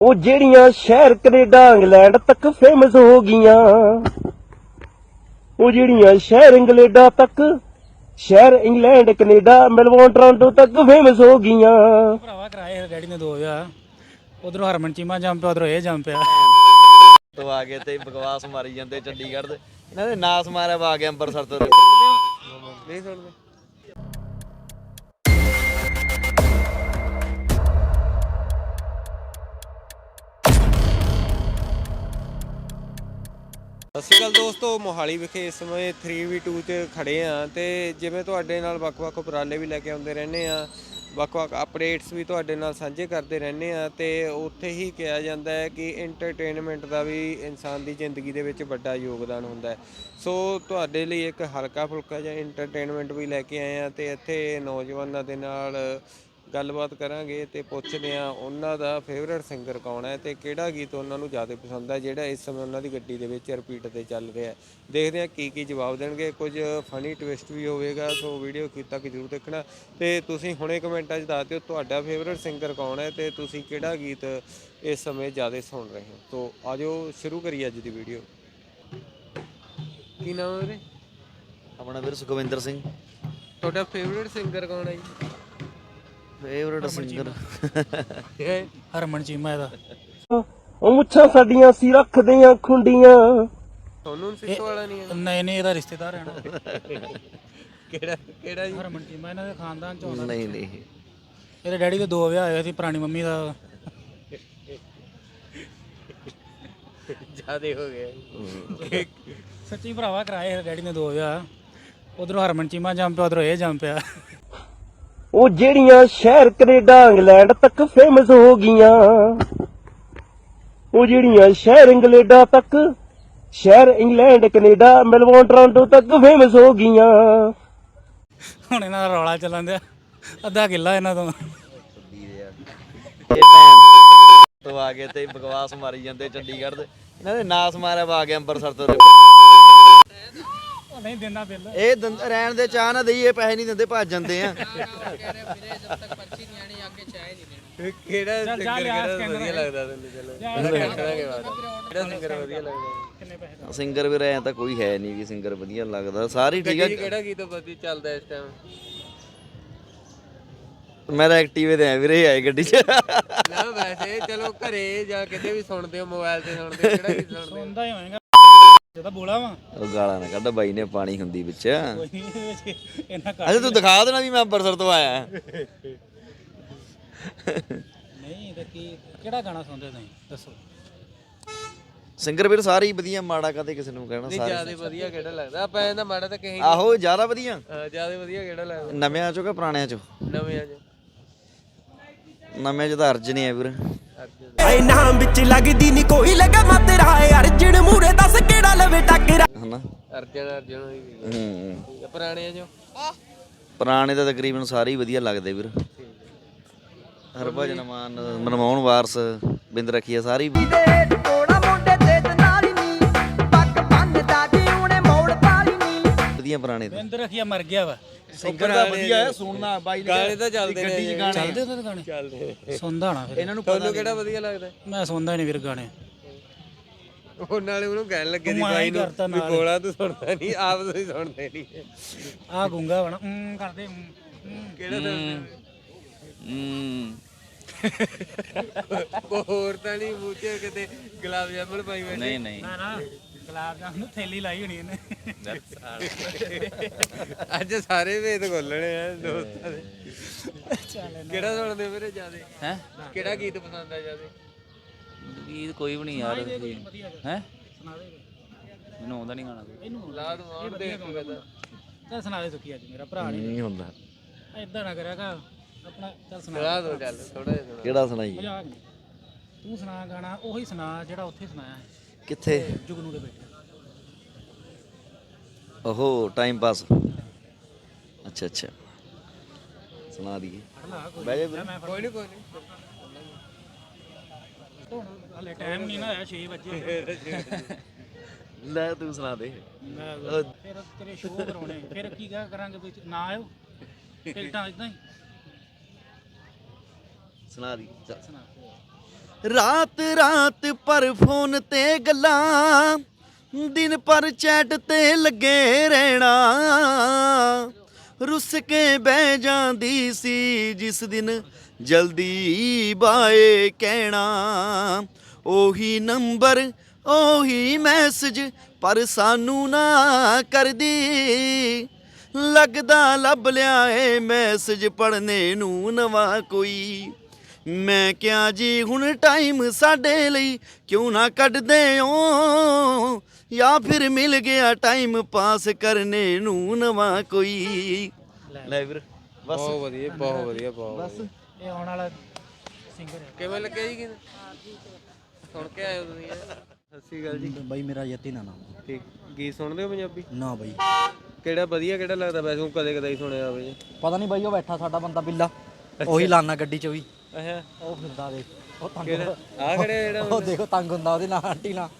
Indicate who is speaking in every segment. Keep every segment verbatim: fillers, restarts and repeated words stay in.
Speaker 1: ਉਹ ਜਿਹੜੀਆਂ ਸ਼ਹਿਰ ਕੈਨੇਡਾ ਇੰਗਲੈਂਡ ਤੱਕ ਫੇਮਸ ਹੋ ਗਈਆਂ, ਉਹ ਜਿਹੜੀਆਂ ਸ਼ਹਿਰ ਇੰਗਲੈਂਡਾ ਤੱਕ, ਸ਼ਹਿਰ ਇੰਗਲੈਂਡ ਕੈਨੇਡਾ ਮੈਲਬੌਰਨ ਟੋਰਾਂਟੋ ਤੱਕ ਫੇਮਸ ਹੋ ਗਈਆਂ।
Speaker 2: ਭਰਾਵਾ ਕਰਾਏ ਡੈਡੀ ਨੇ ਦੋ ਵਿਆਹ, ਉਧਰੋਂ ਹਰਮਨ ਚੀਮਾ ਜੰਮ ਪਿਆ, ਉਧਰੋਂ ਇਹ ਜੰਮ ਪਿਆ।
Speaker 3: ਤੋਂ ਆ ਕੇ ਤੇ ਬਕਵਾਸ ਮਾਰੀ ਜਾਂਦੇ ਚੰਡੀਗੜ੍ਹ ਦੇ, ਇਹਨਾਂ ਦੇ ਨਾਸ ਮਾਰਿਆ ਵਾ ਆ ਕੇ ਅੰਮ੍ਰਿਤਸਰ ਤੋਂ। ਨਹੀਂ ਸੁਣਦੇ।
Speaker 4: ਸਤਿ ਸ਼੍ਰੀ ਅਕਾਲ ਦੋਸਤੋ, ਮੋਹਾਲੀ ਵਿਖੇ ਇਸ ਸਮੇਂ ਥ੍ਰੀ ਵੀ ਟੂ 'ਚ ਖੜ੍ਹੇ ਹਾਂ ਅਤੇ ਜਿਵੇਂ ਤੁਹਾਡੇ ਨਾਲ ਵੱਖ-ਵੱਖ ਉਪਰਾਲੇ ਵੀ ਲੈ ਕੇ ਆਉਂਦੇ ਰਹਿੰਦੇ ਹਾਂ, ਵੱਖ-ਵੱਖ ਅਪਡੇਟਸ ਵੀ ਤੁਹਾਡੇ ਨਾਲ ਸਾਂਝੇ ਕਰਦੇ ਰਹਿੰਦੇ ਹਾਂ ਅਤੇ ਉੱਥੇ ਹੀ ਕਿਹਾ ਜਾਂਦਾ ਹੈ ਕਿ ਇੰਟਰਟੇਨਮੈਂਟ ਦਾ ਵੀ ਇਨਸਾਨ ਦੀ ਜ਼ਿੰਦਗੀ ਦੇ ਵਿੱਚ ਵੱਡਾ ਯੋਗਦਾਨ ਹੁੰਦਾ ਹੈ। ਸੋ ਤੁਹਾਡੇ ਲਈ ਇੱਕ ਹਲਕਾ ਫੁਲਕਾ ਜਿਹਾ ਇੰਟਰਟੇਨਮੈਂਟ ਵੀ ਲੈ ਕੇ ਆਏ ਹਾਂ ਅਤੇ ਇੱਥੇ ਨੌਜਵਾਨਾਂ ਦੇ ਨਾਲ ਗੱਲਬਾਤ ਕਰਾਂਗੇ ਅਤੇ ਪੁੱਛਦੇ ਹਾਂ ਉਹਨਾਂ ਦਾ ਫੇਵਰੇਟ ਸਿੰਗਰ ਕੌਣ ਹੈ ਅਤੇ ਕਿਹੜਾ ਗੀਤ ਉਹਨਾਂ ਨੂੰ ਜ਼ਿਆਦਾ ਪਸੰਦ ਹੈ ਜਿਹੜਾ ਇਸ ਸਮੇਂ ਉਹਨਾਂ ਦੀ ਗੱਡੀ ਦੇ ਵਿੱਚ ਰਿਪੀਟ 'ਤੇ ਚੱਲ ਰਿਹਾ। ਦੇਖਦੇ ਹਾਂ ਕੀ ਕੀ ਜਵਾਬ ਦੇਣਗੇ, ਕੁਝ ਫਨੀ ਟਵਿਸਟ ਵੀ ਹੋਵੇਗਾ। ਸੋ ਵੀਡੀਓ ਅਖੀਰ ਤੱਕ ਜ਼ਰੂਰ ਦੇਖਣਾ ਅਤੇ ਤੁਸੀਂ ਹੁਣੇ ਕਮੈਂਟਾਂ 'ਚ ਦੱਸ ਦਿਓ ਤੁਹਾਡਾ ਫੇਵਰੇਟ ਸਿੰਗਰ ਕੌਣ ਹੈ ਅਤੇ ਤੁਸੀਂ ਕਿਹੜਾ ਗੀਤ ਇਸ ਸਮੇਂ ਜ਼ਿਆਦਾ ਸੁਣ ਰਹੇ ਹੋ। ਸੋ ਆ ਜਾਓ ਸ਼ੁਰੂ ਕਰੀਏ ਅੱਜ ਦੀ ਵੀਡੀਓ। ਕੀ ਨਾਮ ਹੈ ਵੀਰੇ?
Speaker 3: ਆਪਣਾ ਵੀਰ ਸੁਖਵਿੰਦਰ ਸਿੰਘ।
Speaker 4: ਤੁਹਾਡਾ ਫੇਵਰੇਟ ਸਿੰਗਰ ਕੌਣ ਹੈ ਜੀ?
Speaker 3: ਫੇਵਰੇਟ ਸਿੰਗਰ
Speaker 2: ਹਰਮਨ ਚੀਮਾ ਇਹਦਾ।
Speaker 1: ਉਹ ਮੁੱਛਾਂ ਸਾਡੀਆਂ ਸੀ ਰੱਖਦੇ ਆਂ ਖੁੰਡੀਆਂ।
Speaker 4: ਤੁਹਾਨੂੰ ਸਿੱਖੋ ਵਾਲਾ ਨਹੀਂ ਹੈ?
Speaker 2: ਨਹੀਂ ਨਹੀਂ, ਇਹਦਾ ਰਿਸ਼ਤੇਦਾਰ ਹੈ ਨਾ।
Speaker 4: ਕਿਹੜਾ ਕਿਹੜਾ ਜੀ?
Speaker 2: ਹਰਮਨ ਚੀਮਾ ਇਹਨਾਂ ਦੇ ਖਾਨਦਾਨ ਚ ਆਉਂਦਾ।
Speaker 3: ਨਹੀਂ ਨਹੀਂ,
Speaker 2: ਇਹਦੇ ਡੈਡੀ ਦੇ ਦੋ ਵਿਆਹ ਹੋਏ ਸੀ, ਪੁਰਾਣੀ ਮੰਮੀ ਦਾ।
Speaker 4: ਜ਼ਿਆਦੇ ਹੋ ਗਏ
Speaker 2: ਸੱਚੀ ਭਰਾਵਾ ਕਰਾਏ ਇਹਦੇ ਡੈਡੀ ਨੇ ਦੋ ਵਿਆਹ, ਉਧਰੋਂ ਹਰਮਨ ਚੀਮਾ ਜੰਮ ਪਿਆ, ਉਧਰੋਂ ਇਹ ਜੰਮ ਪਿਆ।
Speaker 1: ਉਹ ਜਿਹੜੀਆਂ ਸ਼ਹਿਰ ਕੈਨੇਡਾ ਇੰਗਲੈਂਡ ਤੱਕ ਫੇਮਸ ਹੋ ਗਈਆਂ, ਉਹ ਜਿਹੜੀਆਂ ਸ਼ਹਿਰ ਇੰਗਲੈਂਡਾ ਤੱਕ, ਸ਼ਹਿਰ ਇੰਗਲੈਂਡ ਕੈਨੇਡਾ ਮੈਲਬੌਰਨ ਟੋਰਾਂਟੋ ਤੱਕ ਫੇਮਸ ਹੋ ਗਈਆਂ।
Speaker 2: ਹੁਣ ਇਹਨਾਂ ਦਾ ਰੌਲਾ ਚੱਲਣ ਦਿਆ, ਅੱਧਾ ਕਿੱਲਾ ਇਹਨਾਂ ਤੋਂ।
Speaker 3: ਇਹ ਭੈਣ ਤੋਂ ਆ ਕੇ ਤੇ ਬਕਵਾਸ ਮਾਰੀ ਜਾਂਦੇ ਚੰਡੀਗੜ੍ਹ ਦੇ, ਇਹਨਾਂ ਦੇ ਨਾਸ ਮਾਰਿਆ ਵਾ ਆ ਕੇ ਅੰਮ੍ਰਿਤਸਰ ਤੋਂ।
Speaker 2: ਨਹੀਂ ਦਿੰਦਾ ਬਿੱਲ,
Speaker 3: ਇਹ ਦੰਦ ਰਹਿਣ ਦੇ ਚਾਹ ਨਾ ਦਈਏ, ਪੈਸੇ ਨਹੀਂ ਦਿੰਦੇ ਭੱਜ ਜਾਂਦੇ ਆ।
Speaker 4: ਕਿਹੜਾ ਸਿੰਗਰ ਕਿਹੜਾ ਵਧੀਆ ਲੱਗਦਾ ਤੈਨੂੰ? ਚਲੋ ਦੇਖਾਂਗੇ ਬਾਅਦ। ਕਿਹੜਾ ਸਿੰਗਰ ਵਧੀਆ ਲੱਗਦਾ?
Speaker 3: ਸਿੰਗਰ ਵੀਰ ਐ ਤਾਂ ਕੋਈ ਹੈ ਨਹੀਂ ਵੀ ਸਿੰਗਰ ਵਧੀਆ ਲੱਗਦਾ, ਸਾਰੇ ਠੀਕ ਆ।
Speaker 4: ਕਿਹੜਾ ਗੀਤ ਵਧੀਆ ਚੱਲਦਾ ਇਸ ਟਾਈਮ?
Speaker 3: ਮੈਂ ਤਾਂ ਐਕਟਿਵੇ ਤੇ ਆ ਵੀਰੇ, ਆਏ ਗੱਡੀ 'ਚ।
Speaker 4: ਨਾ ਵੈਸੇ ਚਲੋ ਘਰੇ ਜਾਂ ਕਿਤੇ ਵੀ ਸੁਣਦੇ ਹੋ, ਮੋਬਾਈਲ ਤੇ ਸੁਣਦੇ ਹੋ, ਕਿਹੜਾ ਗੀਤ ਸੁਣਦੇ ਹੋ?
Speaker 2: ਸੁਣਦਾ ਹੀ ਹੋਏਗਾ ਜਦੋਂ ਬੋਲਾ ਵਾ।
Speaker 3: ਉਹ ਗਾਲਾਂ ਨਾ ਕੱਢ, ਬਾਈ ਨੇ ਪਾਣੀ ਹੁੰਦੀ ਵਿੱਚ।
Speaker 2: ਕੋਈ ਨਹੀਂ ਇਹਨਾਂ
Speaker 3: ਅੱਛਾ ਤੂੰ ਦਿਖਾ ਦੇਣਾ ਵੀ ਮੈਂ ਅੰਮ੍ਰਿਤਸਰ ਤੋਂ ਆਇਆ।
Speaker 2: ਨਹੀਂ ਤੇ ਕੀ ਕਿਹੜਾ ਗਾਣਾ ਸੁਣਦੇ ਤੁਸੀਂ ਦੱਸੋ?
Speaker 3: ਸਿੰਗਰ ਵੀਰ ਸਾਰੇ ਹੀ ਵਧੀਆ, ਮਾੜਾ ਕਦੇ ਕਿਸੇ ਨੂੰ ਕਹਿਣਾ। ਸਾਰੇ
Speaker 4: ਜਿਆਦਾ ਵਧੀਆ ਕਿਹੜਾ ਲੱਗਦਾ? ਆਪਾਂ ਇਹਦਾ ਮਾੜਾ ਤਾਂ ਕਹੀ।
Speaker 3: ਆਹੋ ਜ਼ਿਆਦਾ ਵਧੀਆ।
Speaker 4: ਜਿਆਦਾ ਵਧੀਆ ਕਿਹੜਾ ਲੱਗਦਾ?
Speaker 3: ਨਵਿਆਂ ਚੋਂ ਕਿ ਪੁਰਾਣਿਆਂ ਚੋਂ?
Speaker 4: ਨਵਿਆਂ ਚ।
Speaker 3: ਨਵਿਆਂ ਚ ਤਾਂ ਅਰਜਨ ਹੀ ਆ ਵੀਰ।
Speaker 5: ਐ ਨਾਮ ਵਿੱਚ ਲੱਗਦੀ ਨਹੀਂ ਕੋਈ ਲਗਾ ਮਾ ਤੇਰਾ ਅਰਜਨ ਮੂਰੇ ਦੱਸ ਕਿਹੜਾ ਲਵੇ ਟੱਕਰਾ।
Speaker 3: ਹਨਾ
Speaker 4: ਅਰਜਨ ਅਰਜਨ ਹੋਈ
Speaker 3: ਹੂੰ।
Speaker 4: ਪੁਰਾਣਿਆਂ ਚੋਂ?
Speaker 3: ਪੁਰਾਣੇ ਤਾਂ ਤਕਰੀਬਨ ਸਾਰੇ ਹੀ ਵਧੀਆ ਲੱਗਦੇ ਵੀਰ। ਹਰਭਜਨ ਮਾਨ, ਮਨਮੋਹਨ ਵਾਰਸ, ਬਿੰਦ ਰਖੀਆ, ਸਾਰੇ ਹੀ ਵਧੀਆ ਪੁਰਾਣੇ ਤਾਂ।
Speaker 2: ਬਿੰਦ ਰਖੀਆ ਮਰ ਗਿਆ ਵਾ।
Speaker 3: ਸਿੰਗਰ ਦਾ ਵਧੀਆ ਹੈ, ਸੁਣਨਾ ਬਾਈ
Speaker 4: ਗਾਣੇ ਤਾਂ ਚੱਲਦੇ ਨੇ।
Speaker 2: ਚੱਲਦੇ ਉਹਦੇ ਗਾਣੇ?
Speaker 4: ਚੱਲਦੇ।
Speaker 2: ਸੁਣਦਾ ਹੋਣਾ ਫਿਰ।
Speaker 3: ਇਹਨਾਂ ਨੂੰ
Speaker 4: ਤੁਹਾਨੂੰ ਕਿਹੜਾ ਵਧੀਆ ਲੱਗਦਾ?
Speaker 2: ਮੈਂ ਸੁਣਦਾ ਹੀ ਨਹੀਂ ਵੀਰ ਗਾਣੇ।
Speaker 4: ਉਹ ਨਾਲੇ ਉਹਨੂੰ ਕਹਿਣ ਲੱਗੇ ਸੀ
Speaker 2: ਤੂੰ ਐਂ
Speaker 4: ਬਾਈ ਨੂੰ
Speaker 2: ਕਰਤਾ
Speaker 4: ਵੀ
Speaker 2: ਨਾਲ।
Speaker 4: ਗੋਲਾ ਤੂੰ ਸੁਣਦਾ ਨਹੀਂ, ਆਪ ਤੁਸੀਂ ਸੁਣਦੇ ਨਹੀਂ।
Speaker 2: ਆਹ ਗੁੰਗਾ ਵਣਾ ਹੂੰ ਕਰਦੇ ਹੂੰ ਹੂੰ।
Speaker 4: ਕਿਹੜਾ ਸੁਣਦੇ?
Speaker 3: ਹੂੰ
Speaker 4: ਉਹ ਹੋਰ ਤਾਂ ਨਹੀਂ ਮੂੰਹ 'ਚ ਕਿਤੇ ਗੁਲਾਬ ਜਾਮੁਨ ਪਾਈ ਬੈਠੇ?
Speaker 3: ਨਹੀਂ ਨਹੀਂ,
Speaker 2: ਨਾ ਨਾ ਗੁਲਾਬ ਜਾਮੁਨ ਨੂੰ ਥੈਲੀ ਲਾਈ ਹੋਣੀ ਇਹਨੇ।
Speaker 4: ਅੱਜ ਸਾਰੇ ਵੇਦ ਖੋਲਣੇ ਆ ਦੋਸਤਾਂ ਦੇ।
Speaker 2: ਚੱਲ
Speaker 4: ਕਿਹੜਾ ਸੁਣਦੇ ਵੀਰੇ ਜਿਆਦੇ?
Speaker 3: ਹੈ
Speaker 4: ਕਿਹੜਾ ਗੀਤ ਪਸੰਦ ਆ ਜਿਆਦੇ?
Speaker 3: ਗੀਤ ਕੋਈ ਵੀ ਨਹੀਂ ਯਾਰ। ਹੈ
Speaker 2: ਸੁਣਾ ਦੇ
Speaker 3: ਮੈਨੂੰ ਆਉਂਦਾ ਨਹੀਂ ਗਾਣਾ।
Speaker 2: ਇਹਨੂੰ
Speaker 4: ਲਾ ਦੂੰ ਆਉਣ ਦੇ ਇੱਕ ਕਦਾ।
Speaker 2: ਚੱਲ ਸੁਣਾ ਦੇ ਸੁੱਕੀ ਅੱਜ ਮੇਰਾ ਭਰਾ ਨਹੀਂ
Speaker 3: ਨਹੀਂ ਹੁੰਦਾ।
Speaker 2: ਏਦਾਂ ਨਾ ਕਰਿਆ ਕਰ ਆਪਣਾ। ਚੱਲ ਸੁਣਾ
Speaker 4: ਲਾ ਦੋ ਚੱਲ ਥੋੜਾ ਜਿਹਾ ਸੁਣਾ।
Speaker 3: ਕਿਹੜਾ ਸੁਣਾਈ?
Speaker 2: ਮਜ਼ਾਕ ਨਹੀਂ। ਤੂੰ ਸੁਣਾ ਗਾਣਾ ਉਹੀ ਸੁਣਾ ਜਿਹੜਾ ਉੱਥੇ ਸੁਣਾਇਆ
Speaker 3: ਕਿੱਥੇ?
Speaker 2: ਜੁਗਨੂ ਦੇ ਬੇਟੇ।
Speaker 3: ਓਹੋ ਟਾਈਮ ਪਾਸ। ਅੱਛਾ ਅੱਛਾ ਸੁਣਾ ਦਈਏ। ਬਹਿ ਜਾ ਵੀਰ।
Speaker 4: ਕੋਈ ਨਹੀਂ ਕੋਈ ਨਹੀਂ।
Speaker 2: ਹਲੇ ਟਾਈਮ ਨਹੀਂ ਨਾ ਹੋਇਆ, ਛੇ ਵਜੇ।
Speaker 3: ਲੈ ਤੂੰ ਸੁਣਾ ਦੇ।
Speaker 2: ਮੈਂ ਫਿਰ ਤੇਰੇ ਸ਼ੋਅ ਕਰਾਉਣੇ, ਫਿਰ ਕੀ ਕਿਆ ਕਰਾਂਗੇ ਵੀ ਨਾ ਆਇਓ ਟਿਕਟਾਂ ਇਦਾਂ ਹੀ
Speaker 3: ਸੁਣਾ ਦੀ ਚੱਲ।
Speaker 2: ਸੁਣਾ।
Speaker 3: ਰਾਤ ਰਾਤ ਪਰ ਫੋਨ ਤੇ ਗੱਲਾਂ, ਦਿਨ ਪਰ ਚੈਟ ਤੇ ਲੱਗੇ ਰਹਿਣਾ। ਰੁੱਸ ਕੇ ਬਹਿ ਜਾਂਦੀ ਸੀ ਜਿਸ ਦਿਨ ਜਲਦੀ ਬਾਏ ਕਹਿਣਾ। ਉਹੀ ਨੰਬਰ ਉਹੀ ਮੈਸੇਜ ਪਰ ਸਾਨੂੰ ਨਾ ਕਰਦੀ। ਲੱਗਦਾ ਲੱਭ ਲਿਆ ਏ ਮੈਸੇਜ ਪੜ੍ਹਨੇ ਨੂੰ ਨਵਾਂ ਕੋਈ। ਮੈਂ ਕਿਹਾ ਜੀ ਹੁਣ ਟਾਈਮ ਸਾਡੇ ਲਈ ਕਿਉਂ ਨਾ ਕੱਢਦੇ ਓ, ਜਾਂ ਫਿਰ ਮਿਲ ਗਿਆ ਟਾਈਮ ਪਾਸ ਕਰਨੇ ਨੂੰ ਨਵਾਂ ਕੋਈ। ਲੈ ਵੀਰ ਬਸ
Speaker 4: ਬਹੁਤ ਵਧੀਆ ਬਹੁਤ ਵਧੀਆ ਬਹੁਤ ਵਧੀਆ।
Speaker 2: ਇਹ ਆਉਣ ਵਾਲਾ ਸਿੰਗਰ ਹੈ।
Speaker 4: ਕਿਵੇਂ ਲੱਗਿਆ ਜੀ ਗੀਤ? ਸੁਣ ਕੇ ਆਏ ਹੋ ਤੁਸੀਂ? ਸਤਿ ਸ਼੍ਰੀ ਅਕਾਲ ਜੀ।
Speaker 6: ਬਾਈ ਮੇਰਾ ਯਤੀ ਨਾ ਨਾਮ।
Speaker 4: ਠੀਕ, ਗੀਤ ਸੁਣਦੇ ਹੋ ਪੰਜਾਬੀ?
Speaker 6: ਨਾ ਬਾਈ
Speaker 4: ਕਿਹੜਾ ਵਧੀਆ ਕਿਹੜਾ ਲੱਗਦਾ ਵੈਸੇ? ਕਦੇ ਕਦੇ ਹੀ ਸੁਣਿਆ ਹੋਵੇ ਜੀ।
Speaker 6: ਪਤਾ ਨਹੀਂ ਬਾਈ, ਉਹ ਬੈਠਾ ਸਾਡਾ ਬੰਦਾ ਬਿੱਲਾ, ਉਹੀ ਲਾਨਾ ਗੱਡੀ 'ਚ ਵੀ,
Speaker 4: ਅੱਛਾ
Speaker 6: ਉਹ ਫਿਰਦਾ ਦੇਖ, ਉਹ ਤੰਗ
Speaker 4: ਕਿਹੜਾ ਆ ਖੜੇ ਜਿਹੜਾ
Speaker 6: ਉਹ ਦੇਖੋ ਤੰਗ ਹੁੰਦਾ ਉਹਦੇ ਨਾਲ ਆਂਟੀ ਨਾਲ।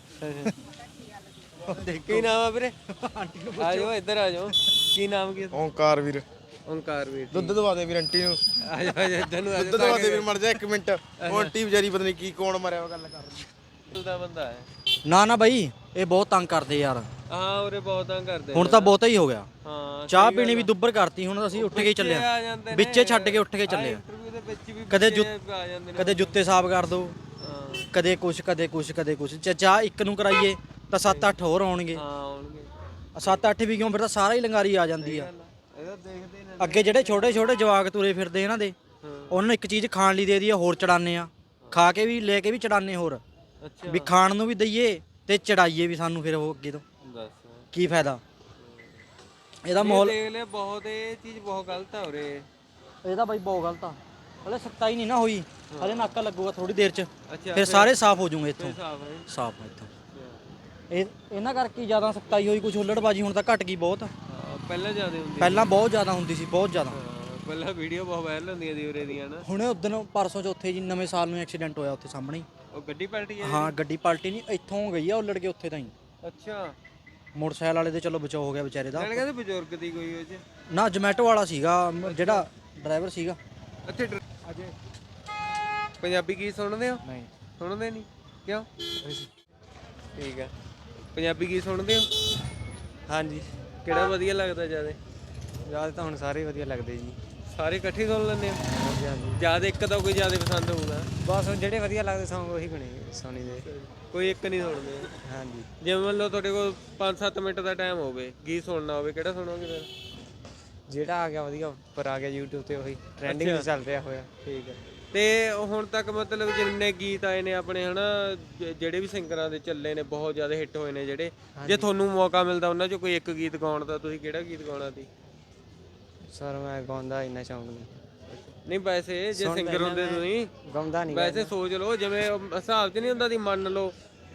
Speaker 6: ਉਹ ਦੇਖ
Speaker 4: ਕੀ ਨਾਮ ਆ ਵੀਰੇ? ਆ ਜਾਓ ਇੱਧਰ ਆ ਜਾਓ। ਕੀ ਨਾਮ ਕੀ?
Speaker 7: ਓਂਕਾਰ ਵੀਰ
Speaker 4: ਓਂਕਾਰ ਵੀਰ।
Speaker 7: ਦੁੱਧ ਦਵਾ ਦੇ ਵੀਰ ਆਂਟੀ ਨੂੰ।
Speaker 4: ਆ ਜਾਓ ਆ ਜਾਓ ਇੱਧਰ ਨੂੰ ਆ
Speaker 7: ਦੁੱਧ ਦਵਾ ਦੇ ਵੀਰ, ਮਰ ਜਾ ਇੱਕ ਮਿੰਟ। ਉਹ ਆਂਟੀ ਵਿਚਾਰੀ ਪਤਾ ਨਹੀਂ ਕੀ ਕੌਣ ਮਰਿਆ, ਉਹ ਗੱਲ ਕਰ ਰਹੀ
Speaker 4: ਦਾ ਬੰਦਾ ਹੈ।
Speaker 6: ਨਾ ਨਾ ਬਾਈ ਇਹ ਬਹੁਤ ਤੰਗ ਕਰਦੇ ਯਾਰ,
Speaker 4: ਹਾਂ ਉਰੇ ਬਹੁਤ ਤੰਗ ਕਰਦੇ
Speaker 6: ਹੁਣ ਤਾਂ ਬਹੁਤਾ ਹੀ ਹੋ ਗਿਆ।
Speaker 4: ਹਾਂ
Speaker 6: ਚਾਹ ਪੀਣੀ ਵੀ ਦੁੱਬਰ ਕਰਤੀ, ਹੁਣ ਅਸੀਂ ਉੱਠ ਕੇ ਹੀ ਚੱਲੇ
Speaker 4: ਆ
Speaker 6: ਆ,
Speaker 4: ਜਾਂਦੇ ਨੇ
Speaker 6: ਵਿੱਚੇ ਛੱਡ ਕੇ ਉੱਠ ਕੇ ਚੱਲੇ ਆ।
Speaker 4: ਇੰਟਰਵਿਊ ਦੇ ਵਿੱਚ ਵੀ
Speaker 6: ਕਦੇ
Speaker 4: ਬੱਚੇ
Speaker 6: ਜੁੱਤ
Speaker 4: ਆ ਜਾਂਦੇ ਨੇ।
Speaker 6: ਕਦੇ ਜੁੱਤੇ ਸਾਫ਼ ਕਰ ਦੋ,
Speaker 4: ਹਾਂ
Speaker 6: ਕਦੇ ਕੁਛ ਕਦੇ ਕੁਛ ਕਦੇ ਕੁਛ। ਜੇ ਚਾਹ ਇੱਕ ਨੂੰ ਕਰਾਈਏ ਤਾਂ ਸੱਤ ਅੱਠ ਹੋਰ ਆਉਣਗੇ।
Speaker 4: ਹਾਂ ਆਉਣਗੇ।
Speaker 6: ਸੱਤ ਅੱਠ ਵੀ ਕਿਉਂ, ਫਿਰ ਤਾਂ ਸਾਰਾ ਹੀ ਲੰਗਾਰੀ ਆ ਜਾਂਦੀ ਆ।
Speaker 4: ਇਹਦਾ ਦੇਖਦੇ ਨੇ।
Speaker 6: ਅੱਗੇ ਜਿਹੜੇ ਛੋਟੇ ਛੋਟੇ ਜਵਾਕ ਤੁਰੇ ਫਿਰਦੇ ਇਹਨਾਂ ਦੇ, ਉਹਨਾਂ ਨੂੰ ਇੱਕ ਚੀਜ਼ ਖਾਣ ਲਈ ਦੇ ਦਈਏ ਹੋਰ ਚੜਾਨੇ ਆ, ਖਾ ਕੇ ਵੀ ਲੈ ਕੇ ਵੀ ਚੜਾਨੇ ਹੋਰ,
Speaker 4: ਅੱਛਾ
Speaker 6: ਵੀ ਖਾਣ ਨੂੰ ਵੀ ਦਈਏ ਤੇ ਚੜਾਈਏ ਵੀ ਸਾਨੂੰ, ਫਿਰ ਉਹ ਅੱਗੇ ਤੋਂ
Speaker 4: ਦੱਸ
Speaker 6: ਕੀ ਫਾਇਦਾ ਇਹਦਾ।
Speaker 4: ਇਹ
Speaker 6: ਮਾਹੌਲ
Speaker 4: ਦੇਖ ਲੈ ਬਹੁਤ, ਇਹ ਚੀਜ਼ ਬਹੁਤ ਗਲਤ ਆ ਉਰੇ।
Speaker 6: ਇਹਦਾ ਬਾਈ ਬਹੁਤ ਗਲਤ ਆ। ਹਲੇ ਸਖਤਾਈ ਨਹੀਂ ਨਾ ਹੋਈ, ਹਲੇ ਨਾਕਾ ਲੱਗੂਗਾ ਥੋੜੀ ਦੇਰ ਚ,
Speaker 4: ਅੱਛਾ
Speaker 6: ਫਿਰ ਸਾਰੇ ਸਾਫ਼ ਹੋ ਜੂਗੇ ਇੱਥੋਂ,
Speaker 4: ਸਾਫ ਹੈ।
Speaker 6: ਸਾਫ਼ ਆ ਇੱਥੋਂ। ਇਹ ਇਹਨਾਂ ਕਰਕੇ ਜ਼ਿਆਦਾ ਸਖਤਾਈ ਹੋਈ, ਕੁਝ ਹੁੱਲੜਬਾਜੀ ਹੁਣ ਤਾਂ ਘਟ ਗਈ ਬਹੁਤ।
Speaker 4: ਹਾਂ, ਪਹਿਲਾਂ ਜ਼ਿਆਦਾ ਹੁੰਦੀ
Speaker 6: ਪਹਿਲਾਂ ਬਹੁਤ ਜ਼ਿਆਦਾ ਹੁੰਦੀ ਸੀ, ਬਹੁਤ ਜ਼ਿਆਦਾ।
Speaker 4: ਹਾਂ, ਪਹਿਲਾਂ ਵੀਡੀਓ ਬਹੁਤ ਵਾਇਰਲ ਹੁੰਦੀਆਂ ਸੀ ਉਰੇ ਦੀਆਂ ਨਾ।
Speaker 6: ਹੁਣ ਉਦੋਂ ਪਰਸੋਂ ਚੌਥੇ ਜੀ ਨਵੇਂ ਸਾਲ ਨੂੰ ਐਕਸੀਡੈਂਟ ਹੋਇਆ ਉੱਥੇ ਸਾਹਮਣੇ ਹੀ।
Speaker 4: ਉਹ ਗੱਡੀ ਪਲਟੀ ਹੈ।
Speaker 6: ਹਾਂ ਗੱਡੀ ਪਲਟੀ ਨਹੀਂ, ਇੱਥੋਂ ਗਈ ਆ ਉੱਲੜ ਕੇ ਉੱਥੇ ਤਾਈਂ।
Speaker 4: ਅੱਛਾ
Speaker 6: ਮੋਟਰਸਾਈਕਲ ਵਾਲੇ ਦੇ ਚਲੋ ਬਚਾਅ ਹੋ ਗਿਆ ਵਿਚਾਰੇ ਦਾ।
Speaker 4: ਜਾਣ ਕਹਿੰਦੇ ਬਜ਼ੁਰਗ ਦੀ ਕੋਈ ਉਹ ਚ।
Speaker 6: ਨਾ ਜੋਮੈਟੋ ਵਾਲਾ ਸੀਗਾ ਮ- ਜਿਹੜਾ ਡਰਾਈਵਰ ਸੀਗਾ।
Speaker 4: ਅੱਛਾ ਅਜੇ ਪੰਜਾਬੀ ਗੀਤ ਸੁਣਦੇ ਹੋ?
Speaker 6: ਨਹੀਂ
Speaker 4: ਸੁਣਦੇ ਨਹੀਂ ਕਿਉਂ? ਠੀਕ ਹੈ। ਪੰਜਾਬੀ ਗੀਤ ਸੁਣਦੇ ਹੋ?
Speaker 8: ਹਾਂਜੀ
Speaker 4: ਕਿਹੜਾ ਵਧੀਆ ਲੱਗਦਾ ਜ਼ਿਆਦਾ?
Speaker 8: ਯਾਦ ਤਾਂ ਹੁਣ ਸਾਰੇ ਵਧੀਆ ਲੱਗਦੇ ਜੀ।
Speaker 4: ਸਾਰੇ ਇਕੱਠੇ ਸੁਣ ਲੈਂਦੇ ਹੋ?
Speaker 8: ਹਾਂਜੀ ਹਾਂਜੀ
Speaker 4: ਜਿਆਦਾ ਇੱਕ ਤਾਂ ਕੋਈ ਜ਼ਿਆਦਾ ਪਸੰਦ ਹੋਊਗਾ।
Speaker 8: ਬਸ ਹੁਣ ਜਿਹੜੇ ਵਧੀਆ ਲੱਗਦੇ ਸੌਂਗ ਉਹੀ ਗਣੇ ਸੁਣੀ ਦੇ।
Speaker 4: ਕੋਈ ਇੱਕ ਨਹੀਂ ਸੁਣਦੇ।
Speaker 8: ਹਾਂਜੀ
Speaker 4: ਜਿਵੇਂ ਮੰਨ ਲਓ ਤੁਹਾਡੇ ਕੋਲ ਪੰਜ ਸੱਤ ਮਿੰਟ ਦਾ ਟਾਈਮ ਹੋਵੇ, ਗੀਤ ਸੁਣਨਾ ਹੋਵੇ, ਕਿਹੜਾ ਸੁਣੋਗੇ ਫਿਰ?
Speaker 8: ਜਿਹੜਾ ਆ ਗਿਆ ਵਧੀਆ ਉੱਪਰ ਆ ਗਿਆ YouTube ਤੇ, ਉਹੀ ਟ੍ਰੈਂਡਿੰਗ ਵਿੱਚ ਚੱਲ ਰਿਹਾ ਹੋਇਆ।
Speaker 4: ਠੀਕ ਹੈ। ਤੇ ਹੁਣ ਤੱਕ ਮਤਲਬ ਜਿੰਨੇ ਗੀਤ ਆਏ ਨੇ ਆਪਣੇ ਹਨਾ, ਜ- ਜਿਹੜੇ ਵੀ ਸਿੰਗਰਾਂ ਦੇ ਚੱਲੇ ਨੇ, ਬਹੁਤ ਜ਼ਿਆਦਾ ਹਿੱਟ ਹੋਏ ਨੇ ਜਿਹੜੇ, ਜੇ ਤੁਹਾਨੂੰ ਮੌਕਾ ਮਿਲਦਾ ਉਹਨਾਂ ਚੋਂ ਕੋਈ ਇੱਕ ਗੀਤ ਗਾਉਣ ਦਾ, ਤੁਸੀਂ ਕਿਹੜਾ ਗੀਤ ਗਾਉਣਾ ਸੀ?
Speaker 8: ਸਰ ਮੈਂ ਗਾਉਂਦਾ ਇੰਨਾ ਸ਼ੌਂਕ ਨਹੀਂ,
Speaker 4: ਨਹੀਂ ਵੈਸੇ ਜੇ ਸਿੰਗਰ ਹੁੰਦੇ ਤੁਸੀਂ,
Speaker 8: ਗਾਉਂਦਾ ਨਹੀਂ।
Speaker 4: ਵੈਸੇ ਸੋਚ ਲਓ, ਜਿਵੇਂ ਉਹ ਹਿਸਾਬ 'ਚ ਨਹੀਂ ਹੁੰਦਾ ਦੀ, ਮੰਨ ਲਓ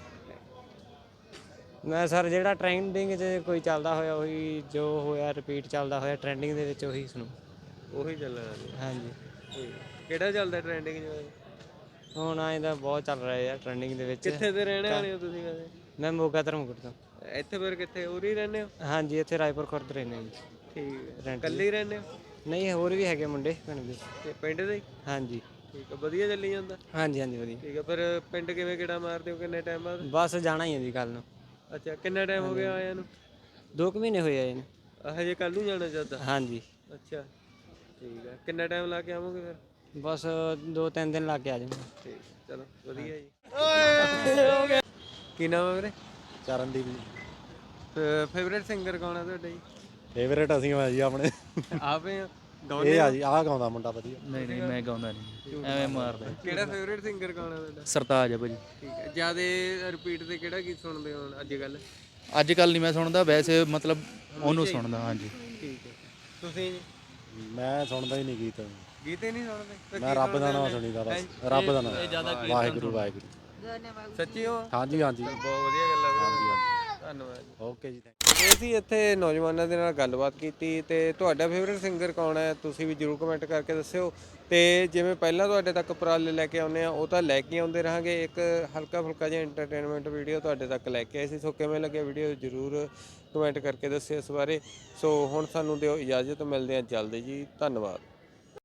Speaker 8: ਮੈਂ ਸਰ ਜਿਹੜਾ ਟ੍ਰੈਂਡਿੰਗ 'ਚ ਕੋਈ ਚੱਲਦਾ ਹੋਇਆ, ਉਹੀ ਜੋ ਹੋਇਆ ਰਿਪੀਟ ਚੱਲਦਾ ਹੋਇਆ ਟ੍ਰੈਂਡਿੰਗ ਦੇ ਵਿੱਚ, ਉਹੀ ਸੁਣੋ।
Speaker 4: ਉਹੀ ਚੱਲਣਾ ਸੀ।
Speaker 8: ਹਾਂਜੀ
Speaker 4: ਠੀਕ। ਕਿਹੜਾ ਚੱਲਦਾ ਟ੍ਰੈਂਡਿੰਗ 'ਚ?
Speaker 8: ਹੁਣ ਆਏ ਤਾਂ ਬਹੁਤ ਚੱਲ ਰਿਹਾ ਆ ਟ੍ਰੈਂਡਿੰਗ ਦੇ ਵਿੱਚ।
Speaker 4: ਕਿੱਥੇ ਦੇ ਰਹਿਣੇ ਵਾਲੇ ਹੋ ਤੁਸੀਂ ਵੈਸੇ?
Speaker 8: ਮੈਂ ਮੋਗਾ ਧਰਮਕੋਟ ਤੋਂ।
Speaker 4: ਇੱਥੇ ਫਿਰ ਕਿੱਥੇ ਉਰੀ ਰਹਿੰਦੇ ਹੋ?
Speaker 8: ਹਾਂਜੀ ਇੱਥੇ ਰਾਏਪੁਰ ਖੁਰਦ ਰਹਿੰਦੇ ਜੀ।
Speaker 4: ਠੀਕ ਹੈ। ਇਕੱਲੇ ਹੀ ਰਹਿੰਦੇ ਹੋ?
Speaker 8: ਨਹੀਂ ਹੋਰ ਵੀ ਹੈਗੇ ਮੁੰਡੇ ਪਿੰਡ ਦੇ।
Speaker 4: ਤੇ ਪਿੰਡ ਦੇ ਹੀ?
Speaker 8: ਹਾਂਜੀ
Speaker 4: ਠੀਕ ਹੈ। ਵਧੀਆ ਚੱਲੀ ਜਾਂਦਾ?
Speaker 8: ਹਾਂਜੀ ਹਾਂਜੀ ਵਧੀਆ।
Speaker 4: ਠੀਕ ਹੈ। ਫਿਰ ਪਿੰਡ ਕਿਵੇਂ ਕਿਹੜਾ ਮਾਰਦੇ ਹੋ, ਕਿੰਨੇ ਟਾਈਮ ਬਾਅਦ?
Speaker 8: ਬਸ ਜਾਣਾ ਹੀ ਹੈ ਜੀ ਕੱਲ ਨੂੰ।
Speaker 4: ਅੱਛਾ, ਕਿੰਨਾ ਟਾਈਮ ਹੋ ਗਿਆ ਆਇਆਂ ਨੂੰ?
Speaker 8: ਦੋ ਕੁ ਮਹੀਨੇ ਹੋਏ ਆ ਇਹਨੂੰ।
Speaker 4: ਹਜੇ ਕੱਲ ਨੂੰ ਜਾਣਾ ਚਾਹਤਾ?
Speaker 8: ਹਾਂਜੀ
Speaker 4: ਅੱਛਾ ਠੀਕ ਹੈ। ਕਿੰਨਾ ਟਾਈਮ ਲਾ ਕੇ ਆਵੋਗੇ ਫਿਰ?
Speaker 8: ਬਸ ਦੋ ਤਿੰਨ ਦਿਨ ਲਾ ਕੇ ਆ ਜਾਵਾਂਗੇ।
Speaker 4: ਠੀਕ, ਚਲੋ ਵਧੀਆ ਜੀ। ਕੀ ਨਾਮ ਹੈ ਵੀਰੇ?
Speaker 7: ਚਰਨਦੀਪ ਜੀ।
Speaker 4: ਫੇਵਰੇਟ ਸਿੰਗਰ ਕੌਣ ਹੈ ਤੁਹਾਡਾ ਜੀ?
Speaker 7: ਫੇਵਰੇਟ ਅਸੀਂ ਆ ਜੀ ਆਪਣੇ।
Speaker 4: ਆਪੇ ਆ?
Speaker 7: ਇਹ ਆ ਜੀ, ਆਹ ਗਾਉਂਦਾ ਮੁੰਡਾ ਵਧੀਆ।
Speaker 2: ਨਹੀਂ ਨਹੀਂ ਮੈਂ ਗਾਉਂਦਾ ਨਹੀਂ, ਐਵੇਂ ਮਾਰਦਾ।
Speaker 4: ਕਿਹੜਾ ਫੇਵਰੇਟ ਸਿੰਗਰ ਕੌਣ ਹੈ ਤੁਹਾਡਾ?
Speaker 2: ਸਰਤਾਜ ਆ ਭਾਜੀ।
Speaker 4: ਠੀਕ ਹੈ। ਜਿਆਦਾ ਰਿਪੀਟ ਤੇ ਕਿਹੜਾ ਗੀਤ ਸੁਣਦੇ ਹੋ ਅੱਜ ਕੱਲ?
Speaker 2: ਅੱਜ ਕੱਲ ਨਹੀਂ ਮੈਂ ਸੁਣਦਾ, ਵੈਸੇ ਮਤਲਬ ਉਹਨੂੰ ਸੁਣਦਾ। ਹਾਂਜੀ
Speaker 4: ਠੀਕ ਹੈ। ਤੁਸੀਂ ਜੀ?
Speaker 7: ਮੈਂ ਸੁਣਦਾ ਹੀ ਨਹੀਂ ਗੀਤ,
Speaker 4: ਗੀਤ ਹੀ ਨਹੀਂ ਸੁਣਦੇ? ਫਿਰ
Speaker 7: ਮੈਂ
Speaker 4: ਕੀ
Speaker 7: ਰੱਬ ਦਾ
Speaker 4: ਸੁਣਦੇ
Speaker 7: ਨਾਮ
Speaker 4: ਹੋ?
Speaker 7: ਸੁਣੀਦਾ ਬਸ, ਰੱਬ ਦਾ ਨਾਮ। ਵਾਹਿਗੁਰੂ ਵਾਹਿਗੁਰੂ।
Speaker 4: ਸੱਚੀ ਹੋ?
Speaker 7: ਹਾਂਜੀ ਹਾਂਜੀ
Speaker 4: ਬਹੁਤ ਵਧੀਆ ਗੱਲ ਹੈ।
Speaker 7: ਹਾਂਜੀ ਹਾਂਜੀ।
Speaker 4: ਧੰਨਵਾਦ ਜੀ।
Speaker 7: ਓਕੇ ਜੀ, ਥੈਂਕ
Speaker 4: ਇਹ ਅਸੀਂ ਇੱਥੇ ਨੌਜਵਾਨਾਂ ਦੇ ਨਾਲ ਗੱਲਬਾਤ ਕੀਤੀ, ਤੇ ਤੁਹਾਡਾ ਫੇਵਰੇਟ ਸਿੰਗਰ ਕੌਣ ਹੈ ਤੁਸੀਂ ਵੀ ਜਰੂਰ ਕਮੈਂਟ ਕਰਕੇ ਦੱਸਿਓ। ਤੇ ਜਿਵੇਂ ਪਹਿਲਾਂ ਤੁਹਾਡੇ ਤੱਕ ਉਪਰਾਲੇ ਲੈ ਕੇ ਆਉਂਦੇ ਆ, ਉਹ ਤਾਂ ਲੈ ਕੇ ਆਉਂਦੇ ਰਹਾਂਗੇ। ਇੱਕ ਹਲਕਾ ਫੁਲਕਾ ਜਿਹਾ ਐਂਟਰਟੇਨਮੈਂਟ ਵੀਡੀਓ ਤੁਹਾਡੇ ਤੱਕ ਲੈ ਕੇ ਆਏ ਸੀ। ਸੋ ਕਿਵੇਂ ਲੱਗਿਆ ਵੀਡੀਓ ਜਰੂਰ ਕਮੈਂਟ ਕਰਕੇ ਦੱਸਿਓ ਇਸ ਬਾਰੇ। ਸੋ ਹੁਣ ਸਾਨੂੰ ਦਿਓ ਇਜਾਜ਼ਤ, ਮਿਲਦੇ ਹਾਂ ਜਲਦੀ ਜੀ। ਧੰਨਵਾਦ।